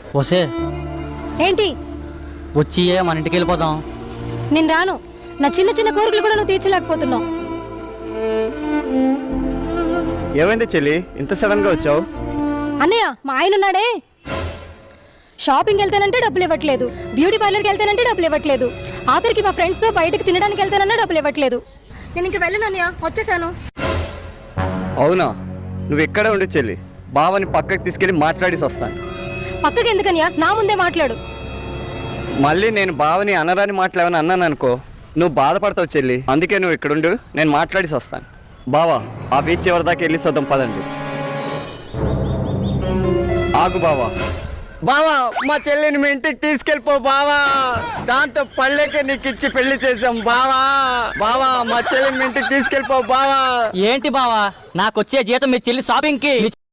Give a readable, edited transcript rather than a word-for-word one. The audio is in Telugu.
వసే ఏంటి? వచ్చి మన ఇంటికి వెళ్ళిపోదాం. నేను రాను. నా చిన్న చిన్న కోరికలు కూడా నువ్వు తీర్చలేకపోతున్నావు. ఏమైంది చెల్లి, ఇంత సడన్ గా వచ్చావు? అన్నయ్య, మా ఆయన ఉన్నాడే, షాపింగ్కి వెళ్తానంటే డబ్బులు ఇవ్వట్లేదు, బ్యూటీ పార్లర్కి వెళ్తానంటే డబ్బులు ఇవ్వట్లేదు, ఆఖరికి మా ఫ్రెండ్స్తో బయటకు తినడానికి వెళ్తానన్నా డబ్బులు ఇవ్వట్లేదు. నేను ఇంక వెళ్ళను అన్నయ్య, వచ్చేసాను. అవునా? నువ్వు ఎక్కడే ఉండు చెల్లి, బావని పక్కకి తీసుకెళ్ళి మాట్లాడేసి వస్తాను. పక్కకి ఎందుకన్నయ్య, నా ముందే మాట్లాడు. మళ్ళీ నేను బావని అనరాని మాట్లాడని అన్నాను అనుకో, నువ్వు బాధపడతావు చెల్లి. అందుకే నువ్వు ఇక్కడ ఉండు, నేను మాట్లాడేసి వస్తాను. బావా, ఆ బీచ్ ఎవరి దాకా వెళ్ళి చూద్దాం పదండి. ఆగు బావా. బావా, మా చెల్లిని మీ ఇంటికి తీసుకెళ్ళిపో బావా, దాంతో పళ్ళేకే నీకు ఇచ్చి పెళ్లి చేసాం బావా. బావా, మా చెల్లిని మీ ఇంటికి తీసుకెళ్ళిపో బావా. ఏంటి బావా, నాకొచ్చే జీతం మీ చెల్లి షాపింగ్ కి